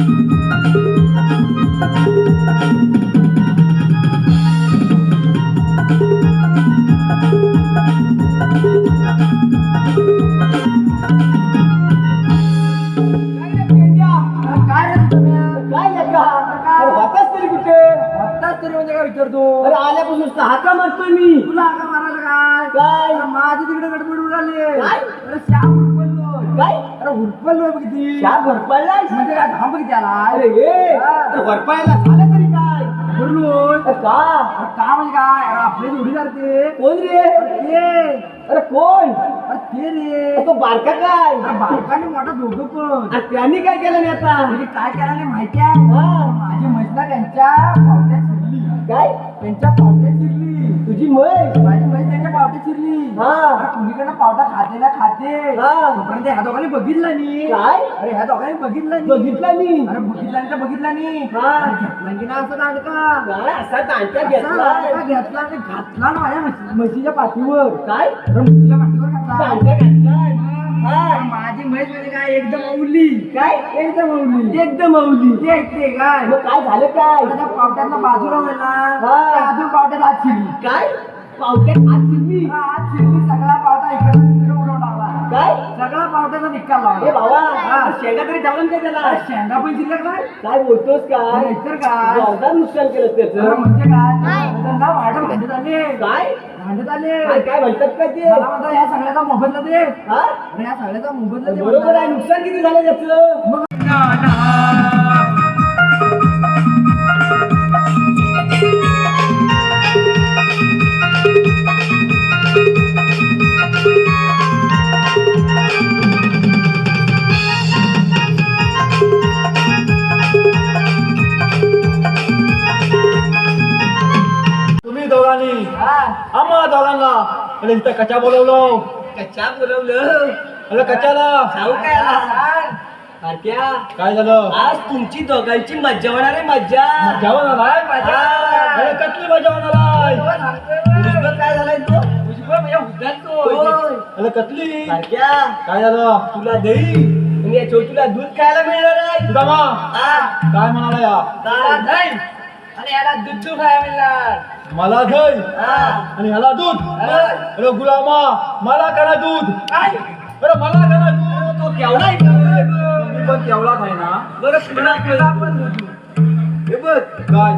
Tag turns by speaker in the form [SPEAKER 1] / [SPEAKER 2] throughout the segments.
[SPEAKER 1] अरे आल्यापासून हाका मारतोय मी.
[SPEAKER 2] तुला हाका मारायला काय
[SPEAKER 1] काय
[SPEAKER 2] माझी तिकडे गडबड उडाली.
[SPEAKER 1] काय?
[SPEAKER 2] अरे श्याम हुरपललो.
[SPEAKER 1] काय
[SPEAKER 2] अरे हुरपललो बघ किती.
[SPEAKER 1] शाप भरपायला
[SPEAKER 2] म्हणजे काय थांब किती आला.
[SPEAKER 1] अरे हे भरपायला झालं तरी काय
[SPEAKER 2] बोलून
[SPEAKER 1] का
[SPEAKER 2] का म्हणजे काय. अरे आपले जोडी करते
[SPEAKER 1] कोण रे.
[SPEAKER 2] ते.
[SPEAKER 1] अरे कोण
[SPEAKER 2] अरे ते रे.
[SPEAKER 1] तो बारका काय
[SPEAKER 2] अरे बारकाने मोठा दोघं पण.
[SPEAKER 1] अरे त्यांनी काय केलं नाही आता
[SPEAKER 2] म्हणजे काय केलं नाही माहिती आहे.
[SPEAKER 1] हा.
[SPEAKER 2] माझी म्हैसला त्यांच्या पावट्यात शिरली.
[SPEAKER 1] काय
[SPEAKER 2] त्यांच्या पावट्यात शिरली.
[SPEAKER 1] तुझी म्हैस
[SPEAKER 2] माझी म्हैस त्यांच्या पावट्यात शिरली.
[SPEAKER 1] हा.
[SPEAKER 2] अरे कुणीकडनं पावटा खाते ना खाते.
[SPEAKER 1] हा.
[SPEAKER 2] तोपर्यंत ह्या दोघांनी बघितलं नाही.
[SPEAKER 1] काय
[SPEAKER 2] अरे ह्या दोघांनी बघितलं नाही.
[SPEAKER 1] बघितला मी
[SPEAKER 2] अरे बघितला नाही तर बघितला नाही.
[SPEAKER 1] हा.
[SPEAKER 2] अरे घेतला की ना असं दांडका.
[SPEAKER 1] काय असा तांत्या
[SPEAKER 2] असा
[SPEAKER 1] घेतला
[SPEAKER 2] दांडका घेतला आणि घातला ना माझ्या म्हशीच्या पाठीवर.
[SPEAKER 1] काय
[SPEAKER 2] अरे म्हशीच्या पाठीवर घातला.
[SPEAKER 1] तांत्या घातला
[SPEAKER 2] अरे माझी म्हैस म्हणजे काय एकदम अवली.
[SPEAKER 1] काय
[SPEAKER 2] एकदम अवली.
[SPEAKER 1] एकदम अवली
[SPEAKER 2] ते ऐकते काय.
[SPEAKER 1] मग काय झालं काय
[SPEAKER 2] त्या पावट्यातला बाजूला होईल ना
[SPEAKER 1] हा.
[SPEAKER 2] त्या अजून पावट्यात आत शिरली.
[SPEAKER 1] काय पावट्यात आत शिरली
[SPEAKER 2] आत शिरली. सगळा पावटा इकडे तिकडे उडवून टाकला.
[SPEAKER 1] काय
[SPEAKER 2] सगळा पावट्याचा निकाल
[SPEAKER 1] हे
[SPEAKER 2] लावला.
[SPEAKER 1] बाबा
[SPEAKER 2] हा.
[SPEAKER 1] शेंगा तरी जाऊन काय त्याला
[SPEAKER 2] अरे शेंगा पण शिल्लक नाही.
[SPEAKER 1] काय बोलतोस काय
[SPEAKER 2] नाहीतर काय.
[SPEAKER 1] जोरदार नुकसान केलं
[SPEAKER 2] अरे
[SPEAKER 1] त्याचं
[SPEAKER 2] म्हणजे काय त्यांना वाटत भांडत आले.
[SPEAKER 1] काय
[SPEAKER 2] भांडत आले.
[SPEAKER 1] काय काय म्हणतात का ते
[SPEAKER 2] मला म्हणतात ह्या सगळ्याचा मोबदला दे.
[SPEAKER 1] हा
[SPEAKER 2] अरे ह्या सगळ्याचा मोबदला दे.
[SPEAKER 1] बरोबर आहे नुकसान किती झालं त्याचं
[SPEAKER 2] मग
[SPEAKER 3] तुम्ही दोघांनी
[SPEAKER 2] हा.
[SPEAKER 3] आम्हा दोघांना अरे इथं कचा बोलवलं.
[SPEAKER 1] कच्चा बोलवलं
[SPEAKER 3] अरे कचाला
[SPEAKER 1] सांगू काय आला?
[SPEAKER 2] सांग.
[SPEAKER 1] भारत्या
[SPEAKER 3] काय झालं
[SPEAKER 1] आज तुमची दोघांची मज्जा होणार आहे मज्जा
[SPEAKER 3] जेवण आलाय
[SPEAKER 2] मजा.
[SPEAKER 3] अरे कसली मजा होणार
[SPEAKER 2] हो, सांगतोय.
[SPEAKER 1] उजबं काय झालाय तो
[SPEAKER 2] उजवं म्हणजे उद्यातो.
[SPEAKER 1] होय.
[SPEAKER 3] अरे कसली
[SPEAKER 1] भारत्या
[SPEAKER 3] काय झालं
[SPEAKER 1] तुला दही आणि या छोटूला दूध खायला मिळणार आहे
[SPEAKER 3] सुदामा
[SPEAKER 1] हा.
[SPEAKER 3] काय म्हणाला या
[SPEAKER 2] त्याला दही आणि याला दूध खायला मिळणार.
[SPEAKER 3] मला दही
[SPEAKER 1] हा.
[SPEAKER 3] आणि ह्याला दूध अरे गुलामा मला करा दूध
[SPEAKER 2] काय.
[SPEAKER 3] अरे मला करा दूध
[SPEAKER 1] तो केवढा आहे का?
[SPEAKER 3] मी पण तेवढाच आहे ना
[SPEAKER 1] बरं पुन्हा पण हे बघ
[SPEAKER 3] काय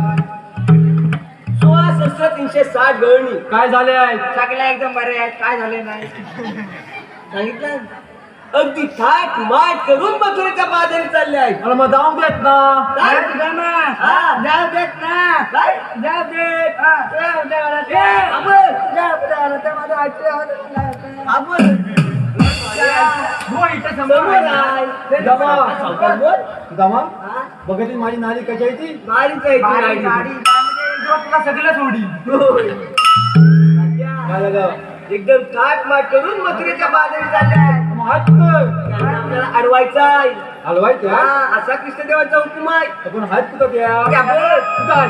[SPEAKER 1] 16,360 गळणी
[SPEAKER 3] काय झाले आहेत
[SPEAKER 2] सगळ्या एकदम बरे आहेत. काय झाले नाही.
[SPEAKER 1] सांगितलं अगदी थाट माट करून मथुरेच्या बाजारी चालले आहेत
[SPEAKER 3] अरे मग जाऊ देत ना
[SPEAKER 1] काय?
[SPEAKER 2] जाऊ दे ना.
[SPEAKER 1] हा.
[SPEAKER 2] जाऊ देत ना.
[SPEAKER 1] काय?
[SPEAKER 2] जाऊ देत. हा. जाऊ दे मला ते.
[SPEAKER 1] ए, आपण.
[SPEAKER 2] जाऊ दे मला ते. माझं ऐकलं होतं.
[SPEAKER 1] आपण
[SPEAKER 2] हो, इथं समोर
[SPEAKER 1] समोर आहे.
[SPEAKER 2] आहे.
[SPEAKER 3] जमा.
[SPEAKER 1] सावकार बोल.
[SPEAKER 3] सुदामा
[SPEAKER 1] हा?
[SPEAKER 3] बघितली माझी नाली कशी आहे ती
[SPEAKER 1] बारीक आहे ती
[SPEAKER 2] गाडी
[SPEAKER 1] गाडी.
[SPEAKER 2] गाडी म्हणजे तुला सगळं सोडी.
[SPEAKER 1] होय.
[SPEAKER 3] काय झालं
[SPEAKER 1] एकदम थाट माट करून मथुरेच्या बाजारी चालले आहेत
[SPEAKER 3] मग हात कुठं
[SPEAKER 1] त्यांना आपल्याला अडवायचा आहे
[SPEAKER 3] हलवायच्या
[SPEAKER 1] हा, असा कृष्णदेवाचा हुकूम आहे
[SPEAKER 3] आपण हात कुठं त्या
[SPEAKER 1] त्यावर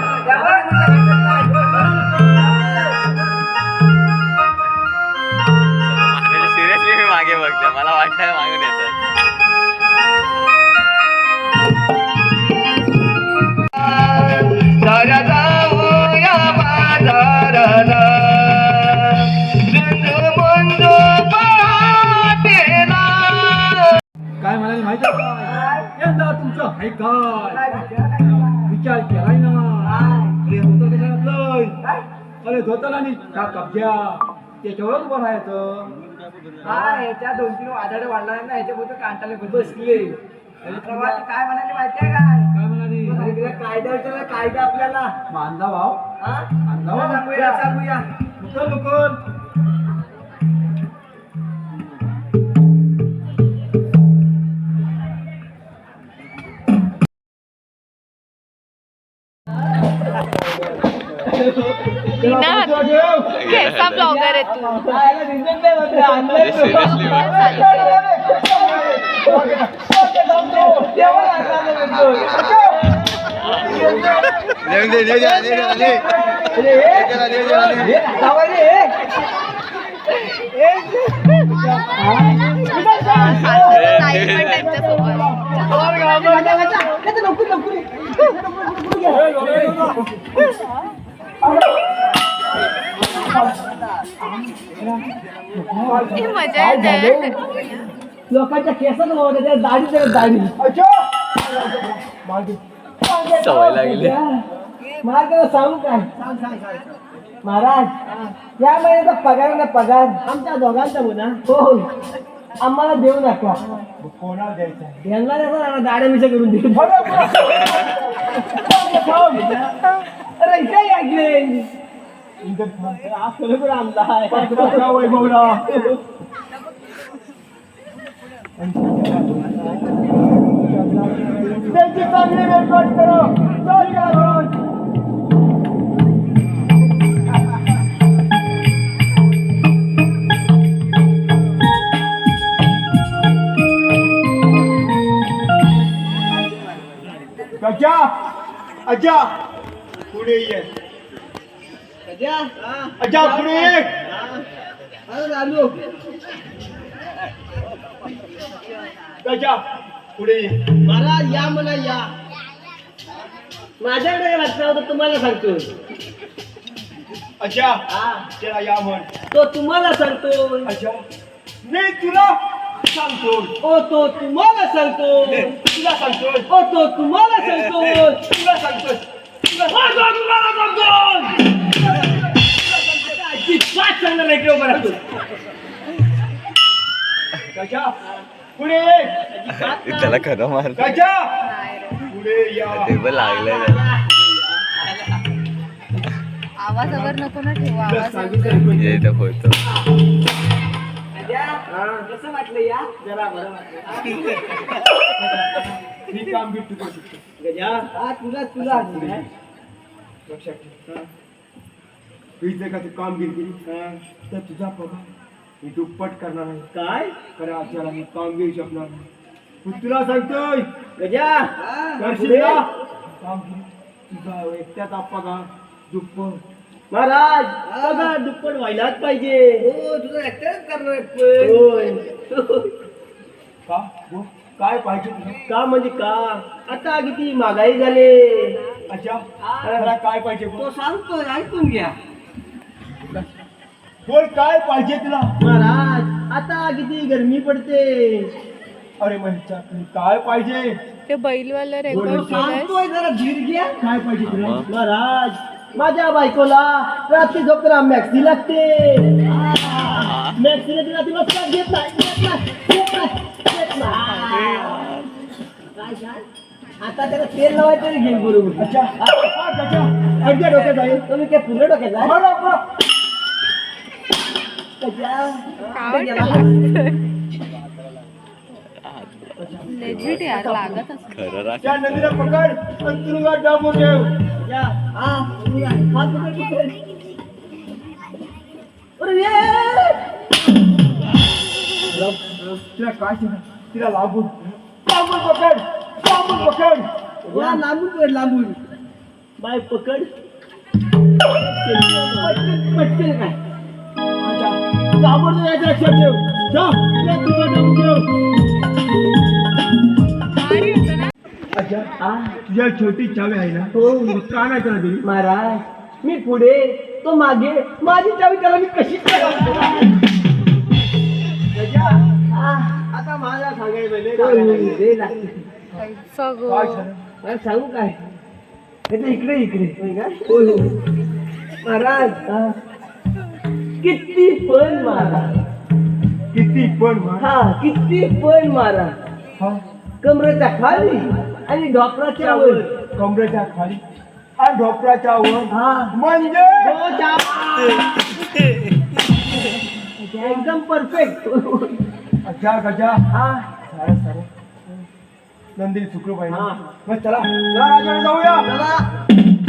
[SPEAKER 4] सिरियसली मी मागे बघते मला वाटतं मागून येतात
[SPEAKER 3] काय म्हणाली माहिती आहे का यंदा तुमचं हाय काय विचार केलाय ना अरे धोतर कशा घातलंय अरे धोतर आणि का कब्जा त्याच्यावरच उभं राहायचं
[SPEAKER 2] ह्याच्या 2-3 वादळ वाढला ना ह्याच्याबद्दल कांटाले बसले. प्रवासी काय म्हणाले माहितीये काय.
[SPEAKER 3] काय म्हणाली
[SPEAKER 1] कायदा कायदा आपल्याला
[SPEAKER 3] मांदा भाव
[SPEAKER 1] हा?
[SPEAKER 3] मांदा भाव
[SPEAKER 1] सांगूया सांगूया
[SPEAKER 3] मुकल मुकल
[SPEAKER 5] कैसा ब्लॉगर है तू.
[SPEAKER 4] सिरियसली
[SPEAKER 5] साईड पण टाईपच्या सोबत. ही मजा येते.
[SPEAKER 1] लोकांच्या केसात होते त्या दाढी
[SPEAKER 3] मागे
[SPEAKER 4] सवय लागली.
[SPEAKER 1] मला त्याला सांगू काय महाराज या महिन्याचा पगार ना पगार आमच्या दोघांचा म्हणा हो आम्हाला देऊ नका
[SPEAKER 3] कोणाला द्यायचा
[SPEAKER 1] यांना द्यायचा दाड्या मिशा करून देऊ अरे इथे ऐकले हा खरोखर आमचा आहे
[SPEAKER 3] वैभवला त्यांची चांगली वेळवाट करा गजा अजा पुढे ये अजा पुढे ये
[SPEAKER 1] आलो
[SPEAKER 3] गजा पुढे ये
[SPEAKER 1] महाराज या म्हणा या माझ्याकडे वाचला होता तुम्हाला सांगतो
[SPEAKER 3] अजा त्याला या म्हण
[SPEAKER 1] तो तुम्हाला सांगतो
[SPEAKER 3] अजा मी तुला सांगतो
[SPEAKER 1] ओ तो तुम्हाला सांगतो
[SPEAKER 3] तुला सांगतोय
[SPEAKER 1] ओ तो तुम्हाला सांगतो
[SPEAKER 3] तुला सांगतोय
[SPEAKER 1] तुम्हाला सांगतो अजिबात सांगणार नाही किंवा बरं
[SPEAKER 3] गजा पुढे ये
[SPEAKER 4] त्याला खरं मार
[SPEAKER 3] गजा पुढे या
[SPEAKER 4] ते पण लागलंय त्याला.
[SPEAKER 5] आवाज अगर नको ना ठेवा आवाज
[SPEAKER 4] ये इथं होतो.
[SPEAKER 1] कसं वाटलं या जरा बरं वाटलं
[SPEAKER 3] ही काम बी तू करू शकतो
[SPEAKER 1] गजा हा तुला
[SPEAKER 3] लक्षात ठेव ही जर का तू कामगिरी केली तर तुझा पगार मी दुप्पट करणार आहे
[SPEAKER 1] काय
[SPEAKER 3] खरं आपल्याला मी कामगिरी शकणार नाही पण तुला सांगतोय
[SPEAKER 1] गजा
[SPEAKER 3] करशील का? कामगिरी तुझा एकट्याचा पगार दुप्पट
[SPEAKER 1] महाराज पगार दुप्पट व्हायलाच पाहिजे हो तुझं ऍक्टरच करणार होय
[SPEAKER 3] का हो? काय पाहिजे तुला
[SPEAKER 1] का म्हणजे का आता किती महागाई झाले
[SPEAKER 3] अच्छा मला काय पाहिजे बोल?
[SPEAKER 1] तो सांगतो ऐकून घ्या
[SPEAKER 3] बोल काय पाहिजे तुला
[SPEAKER 1] महाराज आता किती गरमी पडते
[SPEAKER 3] अरे महेशच्या काय पाहिजे
[SPEAKER 5] ते बैलवाला
[SPEAKER 1] तो
[SPEAKER 5] रेकॉर्ड केलंय.
[SPEAKER 1] सांगतोय जरा धीर घ्या
[SPEAKER 3] काय पाहिजे तुला
[SPEAKER 1] महाराज माझ्या बायकोला रात्री झोपताना मॅक्सी लागते मॅक्सीने तिला दिवस का घेत नाही आता त्याला तेल लावायचं तरी घेईन बरोबर
[SPEAKER 3] अच्छा हा, गजा.
[SPEAKER 1] अडक्या डोक्यात आहे तुम्ही काय पूर्ण डोक्यात आहे
[SPEAKER 3] बरं, बरं.
[SPEAKER 5] लेजिट यार लागत असं.
[SPEAKER 4] खरं राख.
[SPEAKER 3] त्या नदीला पकड आणि तुरुंगात डांबून ठेव तिला काय सांगा तिला लागून पकड
[SPEAKER 1] लांबून बाय पकड पटकन काय
[SPEAKER 3] अच्छा ताबडतोब यायचं लक्षात ठेव जा त्या तुरुंगात डांबून ठेव
[SPEAKER 5] भारी होतं ना.
[SPEAKER 3] अच्छा तुझ्या छोटी चावी आहे ना
[SPEAKER 1] हो
[SPEAKER 3] का नाही त्याला दिली
[SPEAKER 1] महाराज मी पुढे तो मागे माझी चावी त्याला मी कशी
[SPEAKER 3] आता मला सांगायचं
[SPEAKER 5] सगळं.
[SPEAKER 3] काय सांग
[SPEAKER 1] सांगू काय इकडे होय हो महाराज किती पण मारा
[SPEAKER 3] किती पण मार
[SPEAKER 1] हा किती पण मारा
[SPEAKER 3] हा
[SPEAKER 1] कमरेच्या खाली आणि ढोपराच्या वर
[SPEAKER 3] कमरेच्या खाली आणि ढोपराच्या वर
[SPEAKER 1] हा
[SPEAKER 3] म्हणजे
[SPEAKER 1] एकदम परफेक्ट
[SPEAKER 3] अच्छा गजा
[SPEAKER 1] हा
[SPEAKER 3] सारे नंदिनी सुखरूप आहे ना
[SPEAKER 1] हा.
[SPEAKER 3] मग चला राजाने जाऊया
[SPEAKER 1] चला